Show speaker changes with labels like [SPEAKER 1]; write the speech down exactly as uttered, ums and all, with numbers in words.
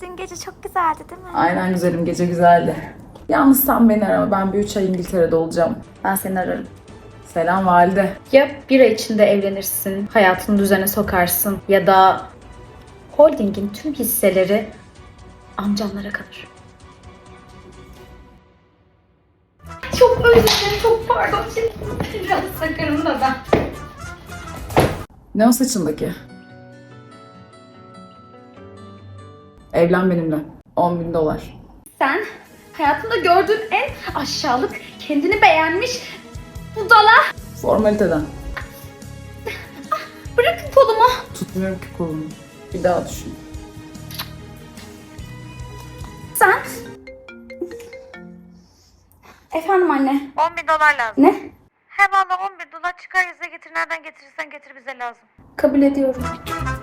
[SPEAKER 1] Dün gece çok güzeldi değil mi?
[SPEAKER 2] Aynen güzelim, gece güzeldi. Yalnız sen beni arama, ben bir üç ay İngiltere'de olacağım.
[SPEAKER 3] Ben seni ararım.
[SPEAKER 2] Selam valide.
[SPEAKER 3] Ya bir ay içinde evlenirsin, hayatını düzene sokarsın ya da holdingin tüm hisseleri amcamlara kalır. Çok özür dilerim, çok pardon. Şimdi biraz sakarım da ben.
[SPEAKER 2] Ne o saçındaki? Evlen benimle. on bin dolar.
[SPEAKER 3] Sen hayatımda gördüğüm en aşağılık, kendini beğenmiş budala.
[SPEAKER 2] Formaliteden.
[SPEAKER 3] Bırakın kolumu.
[SPEAKER 2] Tutmuyorum ki kolumu. Bir daha düşün.
[SPEAKER 3] Sen... Efendim anne.
[SPEAKER 1] on bin dolar lazım.
[SPEAKER 3] Ne?
[SPEAKER 1] He valla on bin dolar çıkar yüze getir. Nereden getirirsen getir bize lazım.
[SPEAKER 3] Kabul ediyorum.